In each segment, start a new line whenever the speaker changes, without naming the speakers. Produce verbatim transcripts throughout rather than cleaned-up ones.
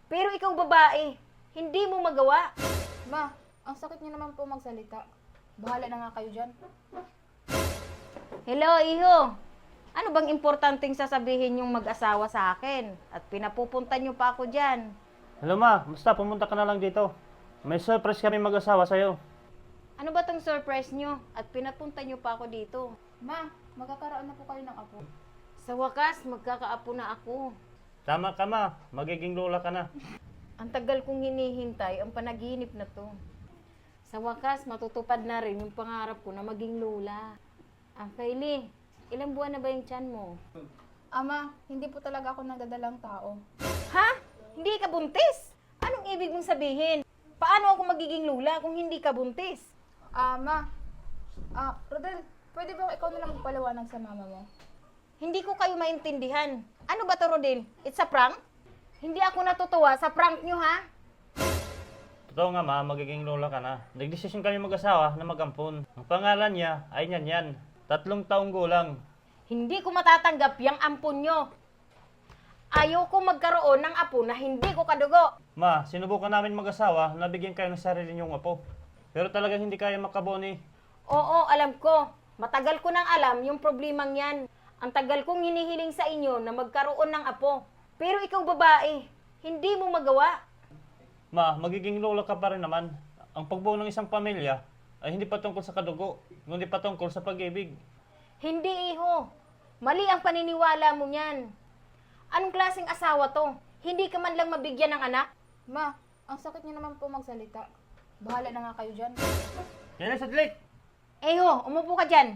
Pero ikaw babae, hindi mo magawa.
Ma, ang sakit niyo naman po magsalita. Bahala na nga kayo dyan.
Hello, iho. Ano bang importanteng sasabihin yung mag-asawa sa akin? At pinapupunta niyo pa ako dyan.
Hello ma, basta pumunta ka na lang dito. May surprise kami mag-asawa sa'yo.
Ano ba tong surprise niyo? At pinapunta niyo pa ako dito.
Ma, magkakaroon na po kayo ng apo.
Sa wakas, magkakaapo na ako.
Tama ka ma, magiging lola ka na.
Ang tagal kong hinihintay ang panaginip na to. Sa wakas, matutupad na rin yung pangarap ko na maging lola. Ah, Kylie, ilang buwan na ba yung tiyan mo?
Ama, hindi po talaga ako nagdadalang tao.
Ha? Hindi ka buntis? Anong ibig mong sabihin? Paano ako magiging lola kung hindi ka buntis?
Ama, ah, Rodel, pwede ba ikaw na lang magpaliwanag sa mama mo?
Hindi ko kayo maintindihan. Ano ba to, Rodel? It's a prank? Hindi ako natutuwa sa prank nyo, ha?
Totoo nga ma, magiging lola ka na. Nagdesisyon kami mag-asawa na mag-ampon. Ang pangalan niya ay Nyan Yan. Tatlong taong gulang.
Hindi ko matatanggap yung ampon nyo. Ayoko magkaroon ng apo na hindi ko kadugo.
Ma, sinubukan namin mag-asawa na bigyan kayo ng sarili niyong apo. Pero talagang hindi kaya makabuo ni...
Oo, alam ko. Matagal ko nang alam yung problemang yan. Ang tagal kong hinihiling sa inyo na magkaroon ng apo. Pero ikaw babae, hindi mo magawa.
Ma, magiging lola ka pa rin naman. Ang pagbuo ng isang pamilya ay hindi patungkol sa kadugo, kundi patungkol sa pag-ibig.
Hindi, iho. Mali ang paniniwala mo niyan. Anong klaseng asawa to? Hindi ka man lang mabigyan ng anak?
Ma, ang sakit niyo naman po magsalita. Bahala na nga kayo dyan.
Yan na, sadlit!
Eho, umupo ka dyan.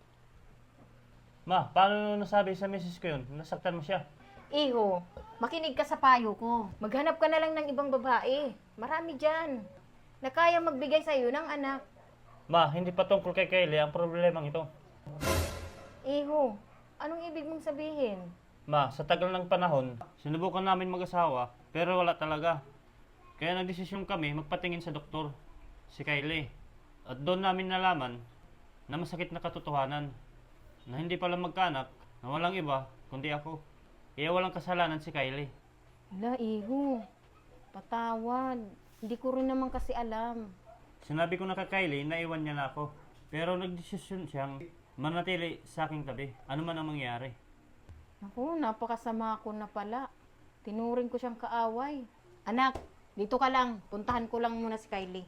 Ma, paano nasabi sa misis ko yun? Nasaktan mo siya.
Iho, makinig ka sa payo ko. Maghanap ka na lang ng ibang babae. Marami dyan. Na kaya magbigay sa'yo ng anak.
Ma, hindi patungkol kay Kylie ang problemang ito.
Iho, anong ibig mong sabihin?
Ma, sa tagal ng panahon, sinubukan namin mag-asawa, pero wala talaga. Kaya nagdesisyon kami magpatingin sa doktor, si Kylie. At doon namin nalaman na masakit na katotohanan, na hindi pala magkaanak, na walang iba, kundi ako. Kaya walang kasalanan si Kylie.
Wala, Iho. Patawad. Hindi ko rin naman kasi alam.
Sinabi ko na kay Kylie na iwan niya na ako. Pero nagdesisyon siyang manatili sa aking tabi, ano man ang mangyari.
Naku, napakasama ko na pala. Tinuring ko siyang kaaway. Anak, dito ka lang. Puntahan ko lang muna si Kylie.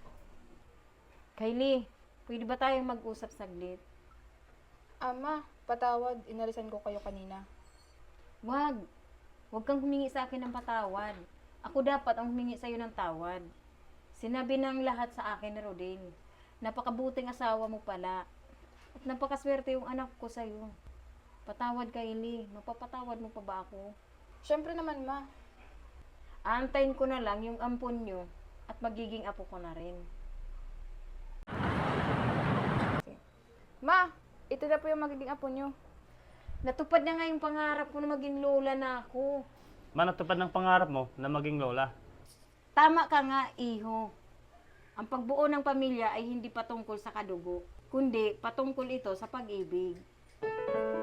Kylie, pwede ba tayong mag-usap saglit?
Ama, patawad, inalisan ko kayo kanina.
Wag. Wag kang humingi sa akin ng patawad. Ako dapat ang humingi sa'yo ng tawad. Sinabi ng lahat sa akin ni Rodin. Napakabuting asawa mo pala. At napakaswerte yung anak ko sa'yo. Patawad, Kylie. Mapapatawad mo pa ba ako?
Siyempre naman, ma.
Aantayin ko na lang yung ampon nyo at magiging apo ko na rin.
Ma, ito na po yung magiging apo nyo.
Natupad na nga yung pangarap ko na maging lola na ako.
Ma, natupad ng pangarap mo na maging lola.
Tama ka nga, iho. Ang pagbuo ng pamilya ay hindi patungkol sa kadugo, kundi patungkol ito sa pag-ibig.